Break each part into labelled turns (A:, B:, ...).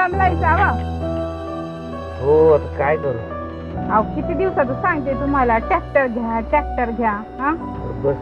A: लांबलाय जावा.
B: हो आता काय करू.
A: अहो किती दिवसाचं सांगते तुम्हाला ट्रॅक्टर घ्या ट्रॅक्टर घ्या. हा
B: बस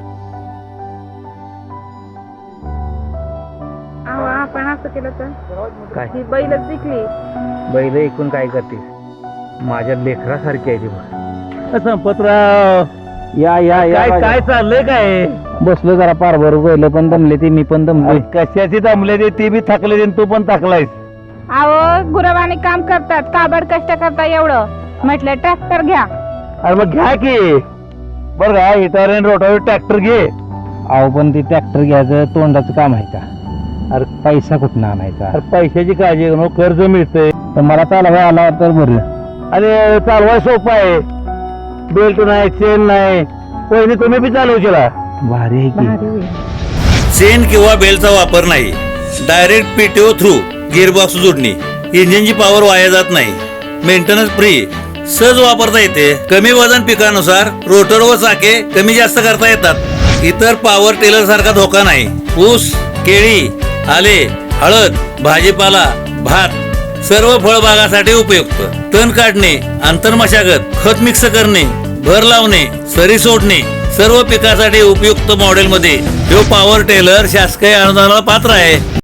A: अहो आपण असं केलं तर
B: काय
A: ही बैलच विकली.
B: बैल ऐकून काय करते माझ्या लेकरासारखी आहे ती बघ.
C: संपतराव
B: या या या
C: काय काय चाललंय काय
B: बसलो जरा पारभर बैल पण दमले ती मी पण दमलोय.
C: कशाची दमले ते बी थकले तू पण थकलायस.
A: अहो गुरवाने काम करतात काबड कष्ट करता एवढं म्हटलं ट्रॅक्टर घ्या.
C: अरे मग घ्या की बरं का इटार रोटावर ट्रॅक्टर घे.
B: अहो पण ती ट्रॅक्टर घ्यायचं तोंडाचं काम आहे का. अरे पैसा कुठं आणायचा.
C: अरे पैशाची काळजी करू कर्ज मिळतंय
B: तर मला चालवा आला तर बरं.
C: आणि चालवाय सोपं आहे. बेल्ट नाही चेन नाही पहिली तुम्ही बी चालवशीला.
B: भारी आहे की.
A: भारी होईल.
D: चेन किंवा बेलचा वापर नाही. डायरेक्ट पीटीओ थ्रू गिअरबॉक्स जोडणी. इंजिनची पॉवर वाया जात नाही. Maintenance free. सहज वापरता येते. कमी वजन पिकानुसार रोटर व चाके कमी जास्त करता येतात. इतर पॉवर टेलर सारखा धोका नाही. ऊस केळी आले हळद भाजीपाला भात सर्व फळबागासाठी उपयुक्त. तण काढणे अंतर मशागत खत मिक्स करणे भर लावणे सरी सोडणे सर्व पिकासाठी उपयुक्त मॉडेल मध्ये जो पॉवर टेलर शासकीय अनुदानाला पात्र आहे.